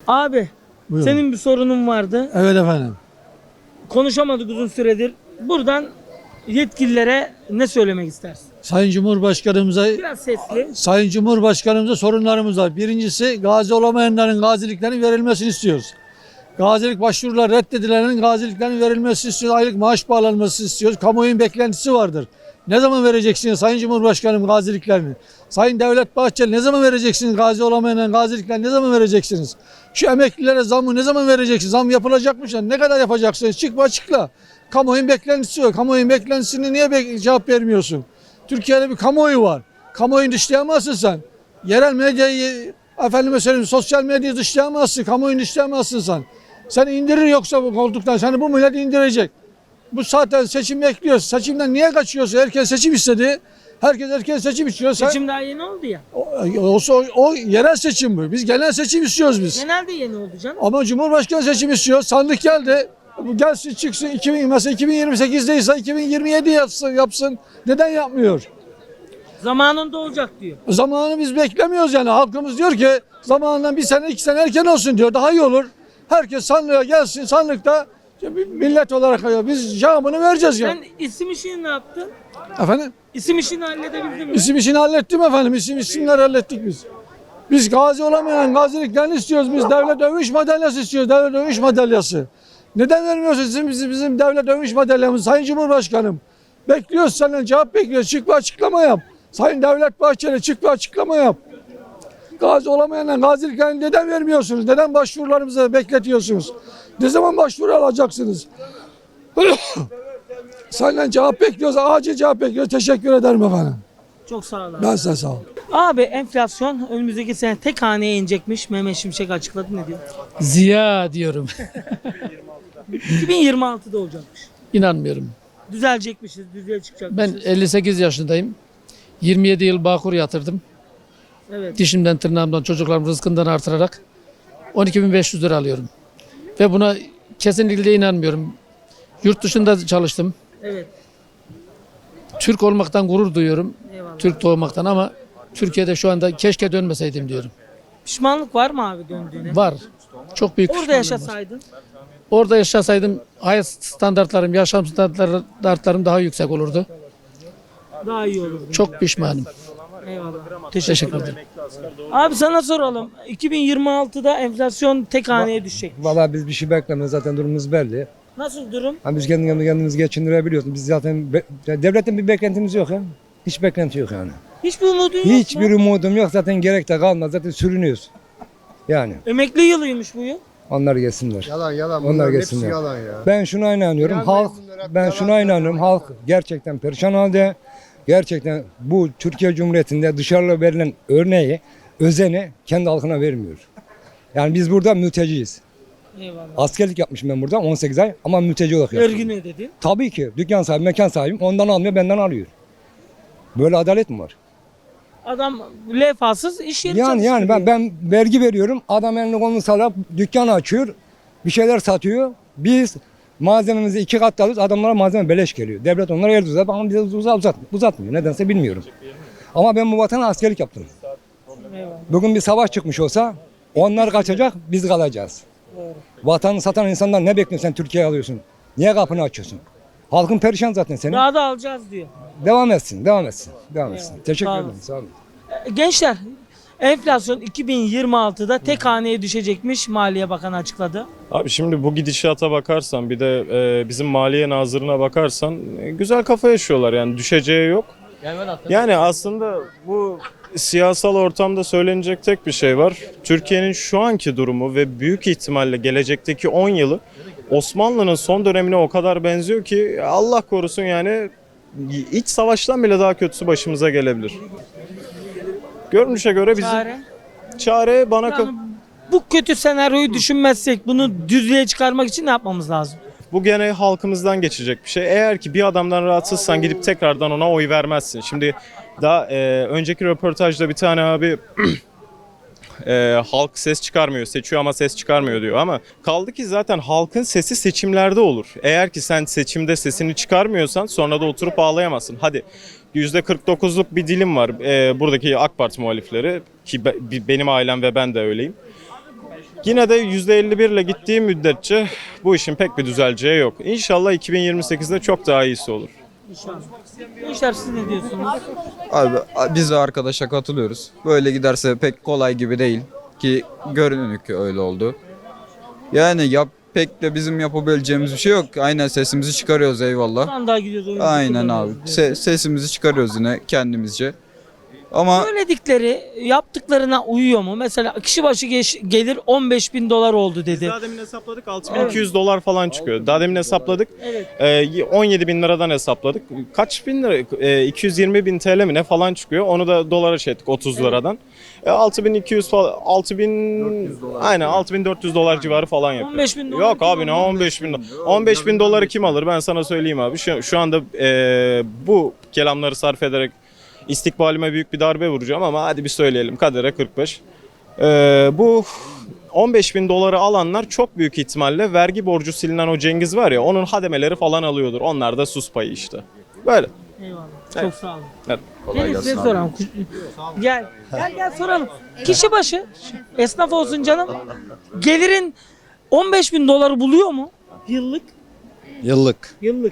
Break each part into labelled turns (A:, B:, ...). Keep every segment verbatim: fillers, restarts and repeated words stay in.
A: Abi
B: Buyurun.
A: senin bir sorunun vardı.
B: Evet efendim.
A: Konuşamadık uzun süredir. Buradan yetkililere ne söylemek istersin?
B: Sayın Cumhurbaşkanımıza
A: Biraz sesli.
B: Sayın Cumhurbaşkanımıza sorunlarımız var. Birincisi gazi olamayanların gaziliklerinin verilmesini istiyoruz. Gazilik başvurular reddedilenlerin gaziliklerinin verilmesini istiyoruz. Aylık maaş bağlanması istiyoruz. Kamuoyunun beklentisi vardır. Ne zaman vereceksiniz Sayın Cumhurbaşkanım gaziliklerini? Sayın Devlet Bahçeli ne zaman vereceksiniz gazi olamayanların gaziliklerini ne zaman vereceksiniz? Şu emeklilere zammı ne zaman vereceksiniz? Zam yapılacakmış ya. Ne kadar yapacaksınız? Çık açıkla. Kamuoyunun beklentisi yok. Kamuoyunun beklentisini niye be- cevap vermiyorsun? Türkiye'de bir kamuoyu var. Kamuoyunu dışlayamazsın sen. Yerel medyayı, efendime söyleyeyim sosyal medyayı dışlayamazsın. Kamuoyunu dışlayamazsın sen. Sen indirir yoksa bu koltuktan. Seni bu millet indirecek. Bu zaten seçim bekliyoruz. Seçimden niye kaçıyorsun? Herkes seçim istedi. Herkes erken seçim istiyor. Sen,
A: Seçim daha yeni oldu ya.
B: o, olsa o, o yerel seçim bu. Biz genel seçim istiyoruz biz.
A: Genelde yeni oldu canım.
B: Ama Cumhurbaşkanı seçimi istiyor. Sandık geldi. Bu gelsin çıksın iki bin, mesela iki bin yirmi sekiz'deyse iki bin yirmi yedi yapsın, yapsın. Neden yapmıyor?
A: Zamanında olacak diyor.
B: Zamanı biz beklemiyoruz yani. Halkımız diyor ki zamanından bir sene iki sene erken olsun diyor. Daha iyi olur. Herkes sandığa gelsin. Sandıkta millet olarak biz cevabını vereceğiz yani.
A: Sen isim işini ne yaptın?
B: Efendim?
A: İsim işini halledebildin mi?
B: İsim işini hallettim efendim. İsim isimler hallettik biz. Biz gazi olamayan gaziliklerini istiyoruz. Biz devlet övünç madalyası istiyoruz. Devlet övünç madalyası. Neden vermiyorsunuz bizim, bizim, bizim devlet övünç madalyamız Sayın Cumhurbaşkanım? Bekliyoruz senden cevap bekliyoruz. Çık bir açıklama yap. Sayın Devlet Bahçeli çık bir açıklama yap. Gazi olamayanlar gaziliklerini neden vermiyorsunuz? Neden başvurularımızı bekletiyorsunuz? Ne zaman başvuru alacaksınız? Senden cevap bekliyoruz. Acil cevap bekliyoruz. Teşekkür ederim efendim.
A: Çok sağ ol abi.
B: Ben size sağ olun.
A: Abi enflasyon önümüzdeki sene tek haneye inecekmiş. Mehmet Şimşek açıkladı, ne diyor?
C: Ziya diyorum.
A: iki bin yirmi altı'da olacakmış.
C: İnanmıyorum.
A: Düzelecekmişiz, düzeye
C: Ben
A: çıkacakmışız.
C: elli sekiz yaşındayım. yirmi yedi yıl Bağkur yatırdım.
A: Evet.
C: Dişimden tırnağımdan çocuklarım rızkından artırarak on iki bin beş yüz lira alıyorum. Ve buna kesinlikle inanmıyorum. Yurt dışında çalıştım.
A: Evet.
C: Türk olmaktan gurur duyuyorum.
A: Eyvallah.
C: Türk doğmaktan ama Türkiye'de şu anda keşke dönmeseydim diyorum.
A: Pişmanlık var mı abi döndüğüne?
C: Var. Çok büyük
A: Orada
C: pişmanlığım var.
A: yaşasaydın.
C: Orada yaşasaydım hayat standartlarım, yaşam standartlarım daha yüksek olurdu.
A: Daha iyi olurdu.
C: Çok pişmanım.
A: Eyvallah.
C: Teşekkür ederim.
A: Abi sana soralım. iki bin yirmi altı'da enflasyon tek haneye düşecek.
D: Valla biz bir şey beklemiyoruz, zaten durumumuz belli.
A: Nasıl durum?
D: Hani biz kendi kendimizi, kendimizi geçindirebiliyoruz. Biz zaten be- ya devletten bir beklentimiz yok ya. Hiç beklenti yok yani.
A: Hiçbir umudun yok
D: Hiçbir
A: mu?
D: umudum yok, zaten gerek de kalmaz. Zaten sürünüyoruz. Yani
A: Emekli yılıymış bu yıl.
D: onlar gelsinler.
E: Yalan yalan.
D: Onlar
E: Bunların hepsi
D: geçsinler.
E: yalan ya.
D: Ben şuna inanıyorum.
E: Gelmeyin
D: Halk
E: bunlar hep
D: ben
E: yalan
D: şuna inanıyorum. Halk gerçekten perişan halde. Gerçekten bu Türkiye Cumhuriyeti'nde dışarıda verilen örneği, özeni kendi halkına vermiyor. Yani biz burada mülteciyiz.
A: Eyvallah.
D: Askerlik yapmışım ben burada on sekiz ay ama mülteci olarak yaptım.
A: Vergi ne dedin?
D: Tabii ki dükkan sahibi, mekan sahibim ondan almıyor, benden alıyor. Böyle adalet mi var?
A: Adam lefasız iş yeri
D: Yani yani ben
A: çalıştırıyor.
D: ben vergi veriyorum. Adam elini kolunu sallayıp dükkan açıyor. Bir şeyler satıyor. Biz malzememizi iki kat alıyoruz. Adamlara malzeme beleş geliyor. Devlet onlara el uzat ama bize uzat, uzat, uzatmıyor. Nedense bilmiyorum. Ama ben bu vatana askerlik yaptım.
A: Eyvallah.
D: Bugün bir savaş çıkmış olsa onlar kaçacak, biz kalacağız.
A: Doğru.
D: Vatanı satan insanlar ne bekliyorsun, sen Türkiye'ye alıyorsun? Niye kapını açıyorsun? Halkın perişan zaten senin.
A: Daha da alacağız diyor.
D: Devam etsin, devam etsin. Devam etsin.
A: Eyvallah.
D: Teşekkür
A: Sağ
D: ederim.
A: olun.
D: Sağ olun.
A: E, Gençler, enflasyon iki bin yirmi altı'da tek haneye düşecekmiş. Maliye Bakanı açıkladı.
F: Abi şimdi bu gidişata bakarsan bir de e, bizim Maliye Nazırı'na bakarsan e, güzel kafa yaşıyorlar yani düşeceği yok. Yani aslında bu siyasal ortamda söylenecek tek bir şey var. Türkiye'nin şu anki durumu ve büyük ihtimalle gelecekteki on yılı Osmanlı'nın son dönemine o kadar benziyor ki Allah korusun yani iç savaştan bile daha kötüsü başımıza gelebilir. Görünüşe göre bizim
A: Çare.
F: çare bana ka-
A: Yani bu kötü senaryoyu düşünmezsek bunu düzlüğe çıkarmak için ne yapmamız lazım?
F: Bu gene halkımızdan geçecek bir şey. Eğer ki bir adamdan rahatsızsan gidip tekrardan ona oy vermezsin. Şimdi daha e, önceki röportajda bir tane abi e, halk ses çıkarmıyor, seçiyor ama ses çıkarmıyor diyor. Ama kaldı ki zaten halkın sesi seçimlerde olur. Eğer ki sen seçimde sesini çıkarmıyorsan sonra da oturup ağlayamazsın. Hadi yüzde kırk dokuzluk bir dilim var e, buradaki AK Parti muhalifleri ki be, benim ailem ve ben de öyleyim. Yine de yüzde elli bir ile gittiği müddetçe bu işin pek bir düzeleceği yok. İnşallah iki bin yirmi sekizde çok daha iyisi olur.
A: İnşallah. Gençler siz ne diyorsunuz?
E: Abi biz de arkadaşa katılıyoruz. Böyle giderse pek kolay gibi değil ki görünür ki öyle oldu. Yani yap pek de bizim yapabileceğimiz bir şey yok. Aynen sesimizi çıkarıyoruz eyvallah.
A: Sandığa gidiyoruz. oyuncu
E: Aynen abi.
A: kullanıyoruz
E: Se- sesimizi çıkarıyoruz yine kendimizce. Ama
A: Söyledikleri yaptıklarına uyuyor mu? Mesela kişi başı geç- gelir on beş bin dolar oldu dedi.
F: Daha demin hesapladık altı bin iki yüz dolar falan çıkıyor. Daha demin hesapladık.
A: Evet.
F: Ee, on yedi bin liradan hesapladık. Kaç bin lira? Ee, iki yüz yirmi bin T L mi ne falan çıkıyor. Onu da dolara şey ettik otuz liradan. E, altı bin iki yüz falan altı bin aynen altı bin dört yüz dolar civarı falan yapıyor.
A: on beş bin dolar
F: Yok
A: kim
F: abi ne
A: alır?
F: on beş bin dolar. on beş bin doları kim alır ben sana söyleyeyim abi. Şu, şu anda e, bu kelamları sarf ederek istikbalime büyük bir darbe vuracağım ama hadi bir söyleyelim kadere kırk beş. Ee, bu on beş bin doları alanlar çok büyük ihtimalle vergi borcu silinen o Cengiz var ya onun hademeleri falan alıyordur. Onlar da sus payı işte. Böyle.
A: Eyvallah. Çok sağ olun.
F: Evet.
A: Gelin size soralım. Gel. Gel gel soralım. Kişi başı esnaf olsun canım. Gelirin on beş bin doları buluyor mu? Yıllık.
G: Yıllık
A: Yıllık.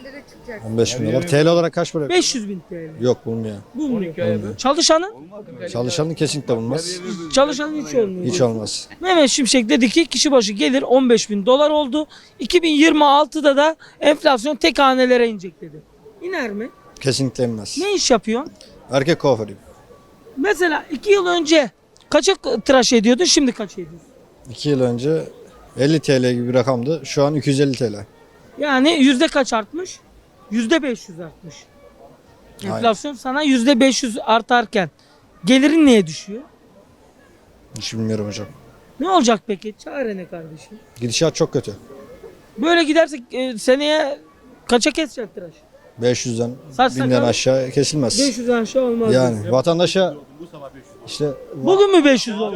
G: on beş bin dolar. T L olarak kaç para?
A: beş yüz bin T L.
G: Yok bulmuyor.
A: Bulmuyor. Çalışanın?
G: Çalışanın kesinlikle bulmaz.
A: Çalışanın hiç olmuyor.
G: Hiç olmaz.
A: Mehmet Şimşek dedi ki kişi başı gelir on beş bin dolar oldu. iki bin yirmi altıda da enflasyon tek hanelere inecek dedi. İner mi?
G: Kesinlikle inmez.
A: Ne iş yapıyorsun?
G: Erkek kuaförüyüm.
A: Mesela iki yıl önce kaça tıraş ediyordun şimdi kaç ediyorsun?
G: iki yıl önce elli T L gibi bir rakamdı. Şu an iki yüz elli T L.
A: Yani yüzde kaç artmış? Yüzde beş yüz artmış. Enflasyon sana yüzde beş yüz artarken gelirin niye düşüyor?
G: Hiç bilmiyorum hocam.
A: Ne olacak peki? Çare ne kardeşim?
G: Gidişat çok kötü.
A: Böyle gidersek e, seneye kaça kesecek tıraş?
G: beş yüzden
A: Saç
G: binden
A: sakal
G: aşağı kesilmez.
A: beş yüzden aşağı olmaz.
G: Yani vatandaşa işte
A: Bugün mü beş yüz oldu?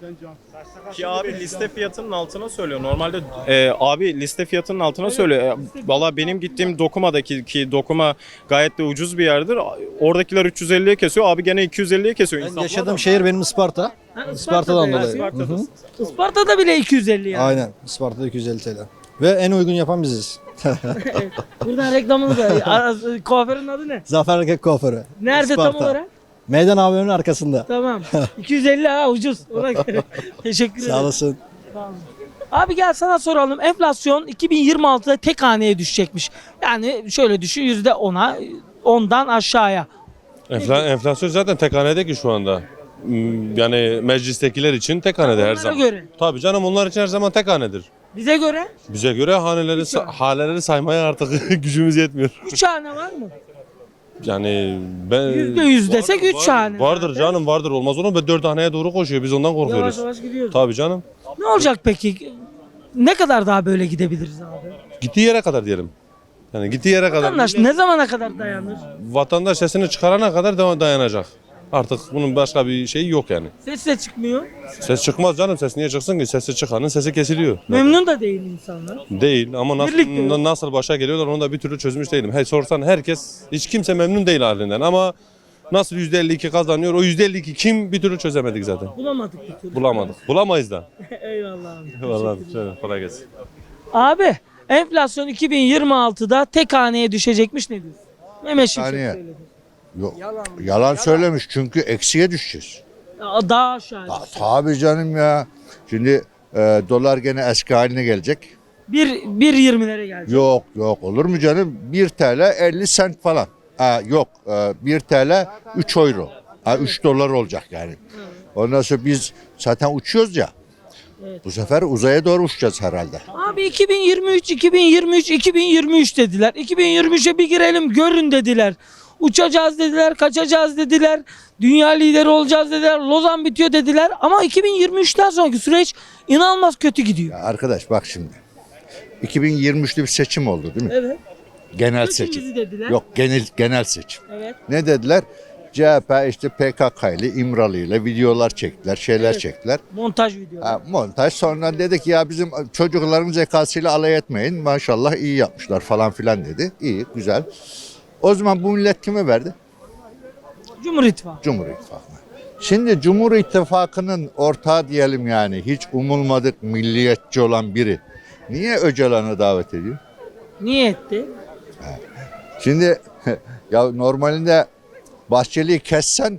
F: Ki abi liste fiyatının altına söylüyor. Normalde e, abi liste fiyatının altına söylüyor. E, Valla benim gittiğim Dokuma'daki ki Dokuma gayet de ucuz bir yerdir. Oradakiler üç yüz elliye kesiyor. Abi gene iki yüz elliye kesiyor.
G: ben
F: İnsaflı
G: yaşadığım
F: adam.
G: şehir benim Isparta.
A: Ha,
G: Isparta'dan
A: Isparta'da
G: dolayı.
A: ya.
G: Hı hı.
A: Isparta'da bile iki yüz elli yani.
G: Aynen. Isparta'da iki yüz elli T L. Ve en uygun yapan biziz.
A: Buradan reklamını da. Ara- Kuaförün adı ne?
G: Zafer Erkek Kuaförü.
A: Nerede tam
G: Isparta.
A: olarak?
G: Meydan A V M'nin arkasında.
A: Tamam. iki yüz elli ha ucuz. Ona göre. Teşekkür ederim.
G: Sağ olasın.
A: Abi gel sana soralım. Enflasyon iki bin yirmi altıda tek haneye düşecekmiş. Yani şöyle düşün yüzde ona ondan aşağıya.
H: Enfla- enflasyon zaten tek hanede ki şu anda. Hmm, Yani meclistekiler için tek hanede her
A: Onlara
H: zaman.
A: göre.
H: Tabii canım onlar için her zaman tek hanedir.
A: Bize göre
H: Bize göre haneleri sa- haneleri saymaya artık gücümüz yetmiyor.
A: üç hane var mı?
H: Yani ben
A: Yüzde yüz desek üç
H: vardır,
A: hane.
H: Vardır canım vardır olmaz olur mu? dört haneye doğru koşuyor biz ondan
A: Yavaş
H: korkuyoruz.
A: yavaş gidiyoruz.
H: Tabii canım.
A: Ne olacak peki? Ne kadar daha böyle gidebiliriz abi?
H: Gittiği yere kadar diyelim. Yani gittiği yere kadar.
A: Vatandaş ne zamana kadar dayanır?
H: Vatandaş sesini çıkarana kadar devam dayanacak. Artık bunun başka bir şeyi yok yani.
A: Ses de çıkmıyor.
H: Ses çıkmaz canım ses niye çıksın ki? Sesi çıkanın sesi kesiliyor.
A: Memnun da değil insanlar.
H: Değil ama nasıl,
A: Birlikte yok.
H: na- nasıl başa geliyorlar onu da bir türlü çözmüş değilim. Hey sorsan herkes hiç kimse memnun değil halinden ama nasıl yüzde elli iki kazanıyor o yüzde elli iki kim bir türlü çözemedik zaten.
A: Bulamadık bir türlü.
H: Bulamadık. Bulamayız da.
A: Eyvallah abi.
H: Vallahi şöyle kolay gelsin.
A: Abi enflasyon iki bin yirmi altıda tek haneye düşecekmiş ne diyorsun? Mehmet Şimşek
I: Saniye.
A: söyledi.
I: Yok. Yalan, söylemiş çünkü eksiye düşeceğiz.
A: Ya Daha aşağı.
I: Ta- tabii canım ya. Şimdi e, dolar gene eski haline gelecek.
A: Bir, bir yirmilere gelecek.
I: Yok yok olur mu canım? bir T L elli sent falan. Ha, yok e, bir T L üç euro. Ha, üç dolar olacak yani. Ondan sonra biz zaten uçuyoruz ya.
A: Evet.
I: Bu sefer uzaya doğru uçacağız herhalde.
A: Abi iki bin yirmi üç, iki bin yirmi üç, iki bin yirmi üç dediler. iki bin yirmi üçe bir girelim görün dediler. Uçacağız dediler, kaçacağız dediler. Dünya lideri olacağız dediler. Lozan bitiyor dediler. Ama iki bin yirmi üçten sonraki süreç inanılmaz kötü gidiyor.
I: Ya arkadaş bak şimdi. iki bin yirmi üçte bir seçim oldu değil mi?
A: Evet.
I: Genel
A: Seçimizi
I: seçim.
A: dediler.
I: Yok genel genel seçim.
A: Evet.
I: Ne dediler? C H P işte P K K ile İmralı ile videolar çektiler, şeyler
A: Evet.
I: çektiler.
A: Montaj videoları.
I: Ha, montaj sonra dedik ya bizim çocukların zekasıyla alay etmeyin. Maşallah iyi yapmışlar falan filan dedi. İyi, güzel. O zaman bu millet kime verdi?
A: Cumhur İttifakı.
I: Cumhur İttifakı'na. Şimdi Cumhur İttifakı'nın ortağı diyelim yani hiç umulmadık milliyetçi olan biri niye Öcalan'ı davet ediyor?
A: Niye etti?
I: Şimdi ya normalinde Bahçeli'yi kessen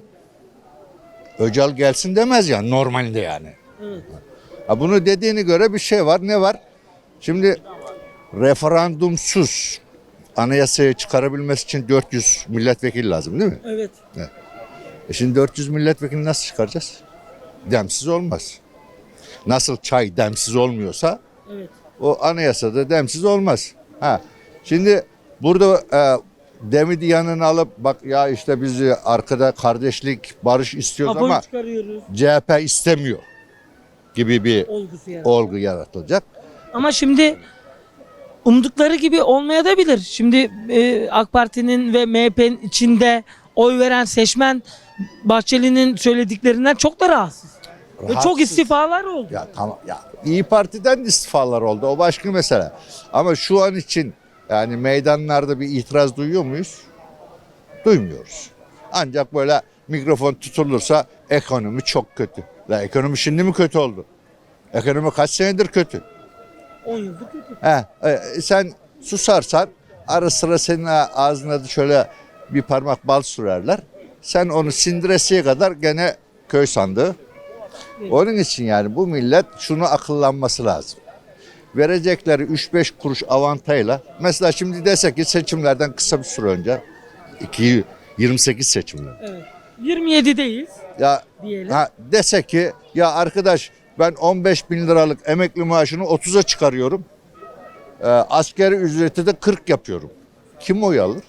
I: Öcal gelsin demez ya normalinde yani.
A: Evet.
I: Ha, bunu dediğine göre bir şey var. Ne var? Şimdi referandumsuz anayasayı çıkarabilmesi için dört yüz milletvekili lazım değil mi?
A: Evet.
I: E şimdi dört yüz milletvekili nasıl çıkaracağız? Demsiz olmaz. Nasıl çay demsiz olmuyorsa
A: Evet.
I: o anayasada demsiz olmaz. Ha. Şimdi burada e, Demidi yanına alıp bak ya işte biz arkada kardeşlik, barış istiyoruz
A: Apo'yu
I: ama
A: çıkarıyoruz.
I: C H P istemiyor gibi bir
A: Olgusu yani.
I: olgu yaratılacak.
A: Ama şimdi umdukları gibi olmaya da bilir. Şimdi e, AK Parti'nin ve M H P'nin içinde oy veren seçmen Bahçeli'nin söylediklerinden çok da rahatsız. Ve çok
I: Rahatsız.
A: istifalar oldu.
I: Ya tamam ya İyi Parti'den de istifalar oldu. O başka mesele. Ama şu an için yani meydanlarda bir itiraz duyuyor muyuz? Duymuyoruz. Ancak böyle mikrofon tutulursa ekonomi çok kötü. La ekonomi şimdi mi kötü oldu? Ekonomi kaç senedir kötü?
A: on yıldır kötü.
I: He, e, sen susarsan ara sıra senin ağzına da şöyle bir parmak bal sürerler. Sen onu sindiresiye kadar gene köy sandığı. Onun için yani bu millet şunu akıllanması lazım. Verecekleri üç beş kuruş avantajla mesela şimdi desek ki seçimlerden kısa bir süre önce iki bin yirmi sekiz seçimler.
A: Evet. yirmi yedideyiz
I: Ya
A: diyelim.
I: ha, dese ki ya arkadaş ben on beş bin liralık emekli maaşını otuza çıkarıyorum. E, askeri ücreti de kırk yapıyorum. Kim oy alır?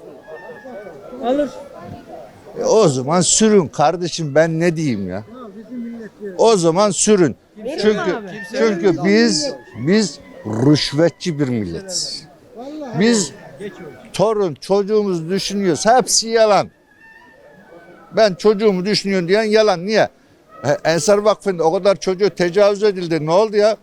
A: Alır.
I: E, o zaman sürün kardeşim ben ne diyeyim ya? O zaman sürün. Çünkü
A: abi.
I: çünkü biz biz rüşvetçi bir milletiz. Biz torun çocuğumuz düşünüyoruz. Hepsi yalan. Ben çocuğumu düşünüyorum diyen yalan. Niye? E, Ensar Vakfı'nda o kadar çocuğu tecavüz edildi. Ne oldu ya?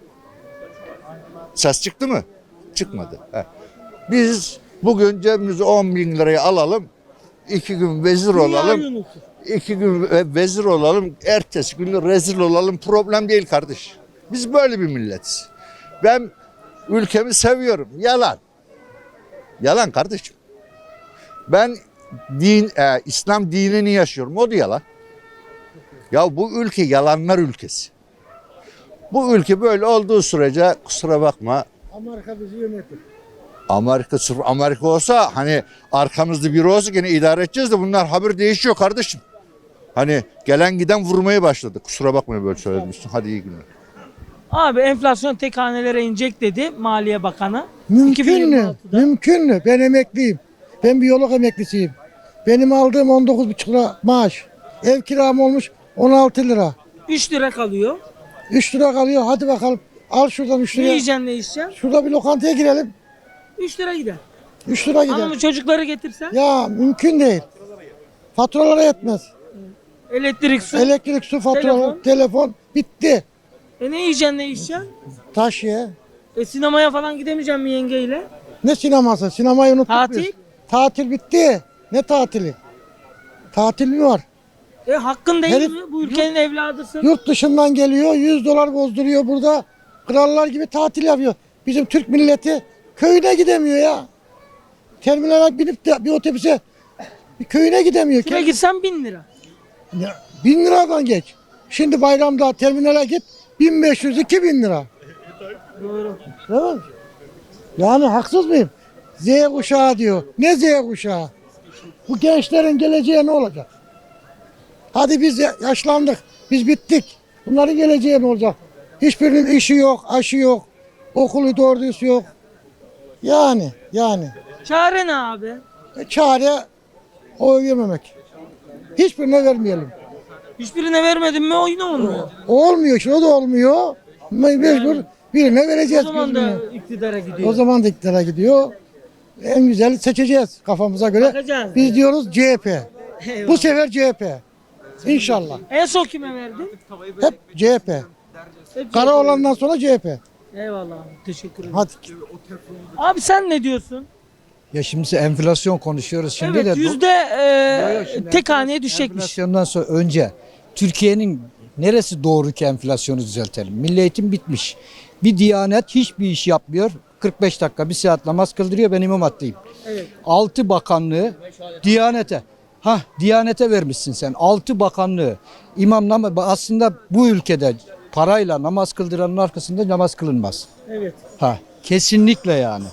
I: Ses çıktı mı? Çıkmadı. He. Biz bugün cebimize on bin lirayı alalım. iki gün vezir olalım.
A: Dünya yönetir.
I: İki gün ve- vezir olalım. Ertesi gün de rezil olalım. Problem değil kardeş. Biz böyle bir milletiz. Ben ülkemi seviyorum. Yalan. Yalan kardeşim. Ben din, e, İslam dinini yaşıyorum. O da yalan. Ya bu ülke yalanlar ülkesi. Bu ülke böyle olduğu sürece kusura bakma.
B: Amerika bizi yönetir.
I: Amerika sırf Amerika olsa hani arkamızda biri olsa gene idare edeceğiz de bunlar haber değişiyor kardeşim. Hani gelen giden vurmaya başladı. Kusura bakmayın böyle söylemiştim. Hadi iyi günler.
A: Abi enflasyon tek hanelere inecek dedi Maliye Bakanı.
J: Mümkün mü?
A: iki bin yirmi altıda.
J: Mümkün mü? Ben emekliyim. Ben biyolog emeklisiyim. Benim aldığım on dokuz buçuk lira maaş. Ev kiram olmuş on altı lira.
A: üç lira kalıyor.
J: üç lira kalıyor. Hadi bakalım. Al şuradan üç
A: Ne
J: lira.
A: yiyeceksin ne içeceksin?
J: Şurada bir lokantaya girelim.
A: üç lira gider.
J: üç lira gider.
A: Hanımı çocukları getirsen
J: Ya mümkün değil. Faturalara yetmez.
A: elektrik, su.
J: Elektrik, su faturaları,
A: Telefon.
J: telefon bitti.
A: E ne yiyeceksin ne içeceksin?
J: Taş ye.
A: E sinemaya falan gidemeyeceğim mi yengeyle?
J: Ne sineması? Sinemayı unuttuk
A: Tatil?
J: biz. Tatil bitti. Ne tatili? Tatil mi var?
A: E hakkın değil
J: Herif-
A: mi? Bu ülkenin evladısın.
J: Yurt dışından geliyor, yüz dolar bozduruyor burada. Krallar gibi tatil yapıyor. Bizim Türk milleti köyüne gidemiyor ya. Terminale binip de bir otobüse bir köyüne gidemiyor.
A: Kime
J: Kend-
A: gitsen bin lira.
J: Ya, bin liradan geç. Şimdi bayramda terminale git bin beş yüz iki bin lira.
A: Doğru.
J: Değil mi? Yani haksız mıyım? Z kuşağı diyor. Ne Z kuşağı? Bu gençlerin geleceği ne olacak? Hadi biz ya- yaşlandık. Biz bittik. Bunların geleceği ne olacak? Hiçbirinin işi yok, aşı yok. Okulu doğru düz yok. Yani, yani.
A: Çare ne abi?
J: E, çare oy vermemek. Hiçbirine vermeyelim.
A: Hiçbirine vermedin mi o yine olmuyor.
J: Olmuyor işte, o da olmuyor. Me- Mecbur birine
A: O
J: vereceğiz.
A: zaman da
J: gözünü.
A: iktidara gidiyor.
J: O zaman da iktidara gidiyor. En güzeli seçeceğiz kafamıza göre.
A: Bakacağız.
J: Biz diyoruz C H P.
A: Eyvallah.
J: Bu sefer C H P. İnşallah.
A: En son kime verdin?
J: Hep C H P.
A: Hep
J: Kara olandan sonra C H P.
A: Eyvallah abi. Teşekkür ederim.
J: Hadi.
A: Abi sen ne diyorsun?
K: Ya şimdi enflasyon konuşuyoruz şimdi
A: evet
K: de. bu-
A: yüzde
K: Yok, yok,
A: e,
K: şimdi
A: tek
K: enflas-
A: haneye düşecekmiş.
K: Enflasyondan sonra önce Türkiye'nin neresi doğru ki enflasyonu düzeltelim? Milli eğitim bitmiş. Bir Diyanet hiçbir iş yapmıyor. kırk beş dakika bir saat namaz kıldırıyor, ben imam hatip'teyim.
A: Evet.
K: Altı bakanlığı Diyanete. Ha, Diyanete vermişsin sen. Altı bakanlığı. İmam namaz aslında bu ülkede parayla namaz kıldıranın arkasında namaz kılınmaz.
A: Evet.
K: Ha, kesinlikle yani.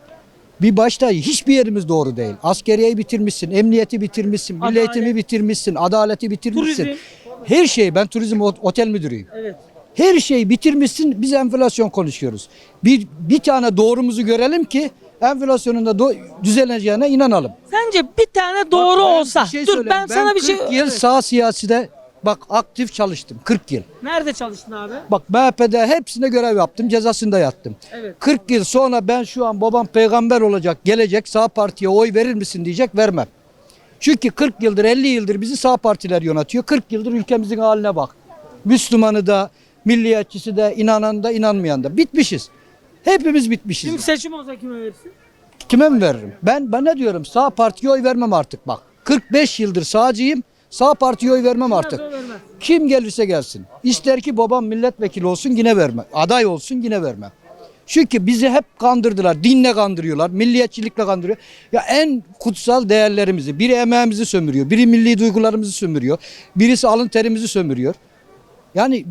K: Bir başta hiçbir yerimiz doğru değil. Askeriyeyi bitirmişsin, emniyeti bitirmişsin, milli
A: Adalet.
K: eğitimi bitirmişsin, adaleti bitirmişsin.
A: Turizm.
K: Her şeyi, ben turizm ot- otel müdürüyüm.
A: Evet.
K: Her şeyi bitirmişsin, biz enflasyon konuşuyoruz. Bir, bir tane doğrumuzu görelim ki enflasyonun da do- düzeleceğine inanalım.
A: Sence bir tane doğru
K: Bak ben
A: olsa.
K: bir şey
A: Dur
K: söyleyeyim.
A: ben sana bir şey...
K: kırk yıl
A: Evet.
K: sağ siyaside bak aktif çalıştım. kırk yıl.
A: Nerede çalıştın abi?
K: Bak M H P'de hepsine görev yaptım. Cezasında yattım.
A: Evet.
K: kırk yıl sonra ben şu an babam peygamber olacak, gelecek, sağ partiye oy verir misin diyecek, vermem. Çünkü kırk yıldır elli yıldır bizi sağ partiler yönetiyor. kırk yıldır ülkemizin haline bak. Müslümanı da, milliyetçisi de, inanan da, inanmayan da. Bitmişiz. Hepimiz bitmişiz.
A: Şimdi seçim olsa kime verirsin?
K: Kime mi veririm? Ben ben ne diyorum? Sağ partiye oy vermem artık bak. kırk beş yıldır sağcıyım. Sağ partiye oy vermem artık.
A: Vermez, o vermez.
K: Kim gelirse gelsin. İster ki babam milletvekili olsun yine vermem. Aday olsun yine vermem. Çünkü bizi hep kandırdılar. Dinle kandırıyorlar. Milliyetçilikle kandırıyor. Ya en kutsal değerlerimizi. Biri emeğimizi sömürüyor. Biri milli duygularımızı sömürüyor. Birisi alın terimizi sömürüyor. Yani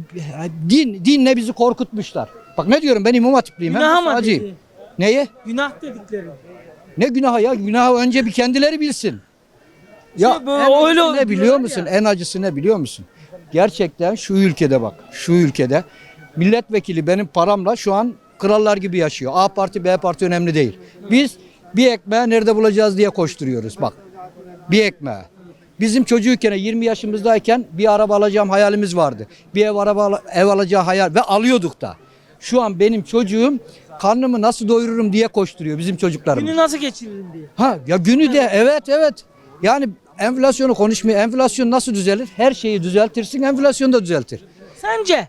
K: din dinle bizi korkutmuşlar. Bak ne diyorum, ben İmam Hatipliyim.
A: Günah
K: Hem de
A: mı
K: sağcıyım.
A: dedi?
K: Neye?
A: Günah dedikleri.
K: Ne günahı ya? Günahı önce bir kendileri bilsin. Ya
A: İşte böyle
K: en
A: öyle
K: acısı ne biliyor
A: diyorlar
K: musun?
A: ya.
K: En acısı ne biliyor musun? Gerçekten şu ülkede bak, şu ülkede milletvekili benim paramla şu an krallar gibi yaşıyor. A parti, B parti önemli değil. Biz bir ekmeği nerede bulacağız diye koşturuyoruz bak. Bir ekmeği. Bizim çocuğuyken yirmi yaşımızdayken bir araba alacağım hayalimiz vardı. Bir ev araba ev alacağı hayal ve alıyorduk da. Şu an benim çocuğum karnımı nasıl doyururum diye koşturuyor bizim çocuklarımız.
A: Günü nasıl geçiririm diye.
K: Ha ya günü de evet evet. Yani enflasyonu konuşmuyor. Enflasyon nasıl düzelir? Her şeyi düzeltirsin, enflasyon da düzeltir.
A: Sence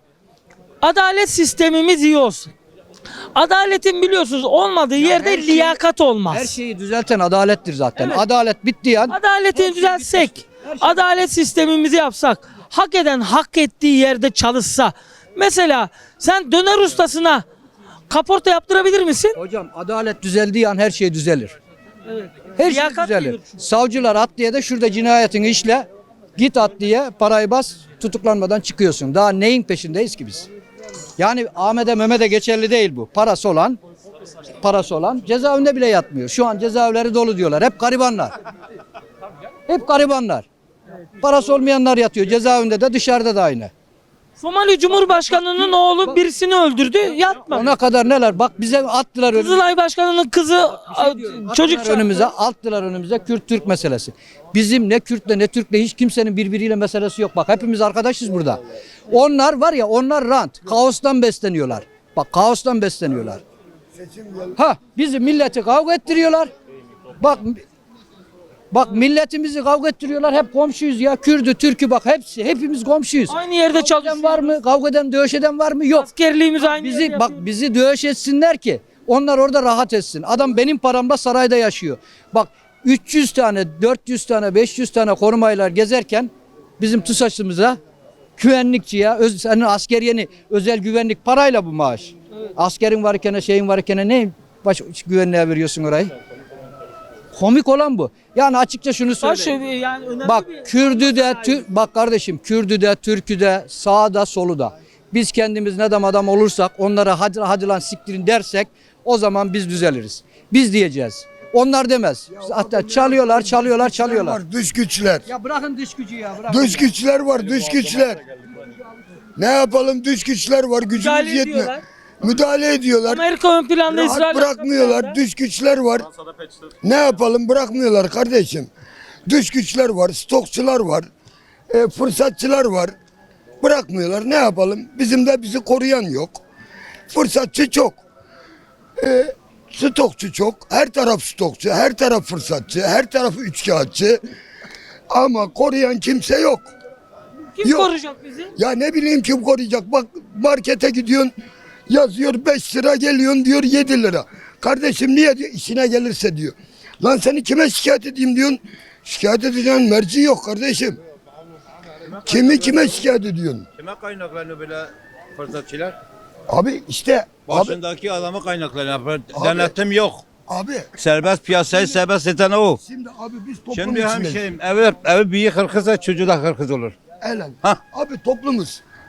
A: adalet sistemimiz iyi olsun. Adaletin biliyorsunuz olmadığı yerde
K: her şey-
A: liyakat olmaz.
K: Her şeyi düzelten adalettir zaten.
A: Evet.
K: Adalet bittiği an
A: Adaleti düzeltsek, adalet sistemimizi yapsak, hak eden hak ettiği yerde çalışsa. Mesela sen döner ustasına kaporta yaptırabilir misin?
K: hocam adalet düzeldiği an her şey düzelir.
A: Evet.
K: Her şey
A: Liyakat
K: düzelir.
A: gelir çünkü.
K: Savcılar adliye de şurada cinayetini işle. Git adliye, parayı bas, tutuklanmadan çıkıyorsun. Daha neyin peşindeyiz ki biz? Yani Ahmet'e Mehmet'e geçerli değil bu. Parası olan, parası olan cezaevinde bile yatmıyor. Şu an cezaevleri dolu diyorlar. Hep garibanlar. Hep garibanlar. Parası olmayanlar yatıyor. Cezaevinde de dışarıda da aynı.
A: Somali Cumhurbaşkanı'nın oğlu birisini öldürdü, yatmadı.
K: Ona kadar neler? Bak bize attılar önümüze.
A: Kızılay Başkanı'nın kızı çocuk
K: Attılar önümüze, attılar önümüze Kürt-Türk meselesi. Bizim ne Kürt'le ne Türk'le hiç kimsenin birbiriyle meselesi yok. Bak hepimiz arkadaşız burada. Onlar var ya, onlar rant, kaostan besleniyorlar. Bak kaostan besleniyorlar. Ha bizi milleti kavga ettiriyorlar. Bak Bak milletimizi kavga ettiriyorlar. Hep komşuyuz ya. Kürdü, Türk'ü bak hepsi. Hepimiz komşuyuz.
A: aynı yerde
K: Kavga eden
A: çalışıyor.
K: var mı? Kavga eden, dövüş eden var mı? Yok.
A: Askerliğimiz aynı
K: Bizi
A: yerde
K: bak
A: yapıyoruz.
K: bizi dövüş etsinler ki onlar orada rahat etsin. Adam benim paramla sarayda yaşıyor. Bak üç yüz tane, dört yüz tane, beş yüz tane korumaylar gezerken bizim TUSAŞ'ımıza güvenlikçiye, öz, senin askeriyeni özel güvenlik parayla bu maaş. Askerin varken, şeyin varken ne baş güvenliğe veriyorsun orayı? Komik olan bu. Yani açıkça şunu
A: Baş-
K: söyleyeyim.
A: yani önemli
K: Bak
A: bir-
K: Kürdü de, Tür- bak kardeşim Kürdü de, Türk'ü de, sağda, solu da. Biz kendimiz ne adam adam olursak, onlara hadi, hadi lan siktirin dersek o zaman biz düzeliriz. Biz diyeceğiz. Onlar demez. Hatta çalıyorlar, çalıyorlar, çalıyorlar.
L: Var, dış güçler.
K: Ya bırakın dış gücü ya. Bırakın.
L: Dış güçler var, dış güçler. Ne yapalım, dış güçler var, gücümüz
A: Müdahale
L: yetmiyor.
A: ediyorlar.
L: Müdahale ediyorlar.
A: Amerika ön planda,
L: Rahat
A: İsrail
L: bırakmıyorlar,
A: arka
L: dış güçler var. Ne yapalım, bırakmıyorlar kardeşim. Dış güçler var, stokçular var, e, fırsatçılar var. Bırakmıyorlar, ne yapalım? Bizim de bizi koruyan yok. Fırsatçı çok. E, stokçu çok. Her taraf stokçu, her taraf fırsatçı, her taraf üçkağıtçı. Ama koruyan kimse yok.
A: Kim
L: Yok.
A: koruyacak bizi?
L: Ya ne bileyim kim koruyacak? Bak markete gidiyorsun, yazıyor beş lira, geliyorsun diyor yedi lira. Kardeşim niye diyor? İşine gelirse diyor. Lan seni kime şikayet edeyim diyorsun? Şikayet edeceğin merci yok kardeşim. Kimi kime şikayet ediyorsun?
M: Kime kaynaklanıyor böyle fırsatçılar?
L: Abi işte abi,
M: Başındaki adamı kaynaklanıyor. Denetim yok.
L: abi
M: Serbest piyasayı serbest eden o.
L: şimdi abi biz toplum
M: Şimdi
L: içindeyiz.
M: hemşehrim evi, evi büyük hırkızsa çocuğu da hırkız olur.
L: Elen.
M: Hah.
L: Abi toplumuz.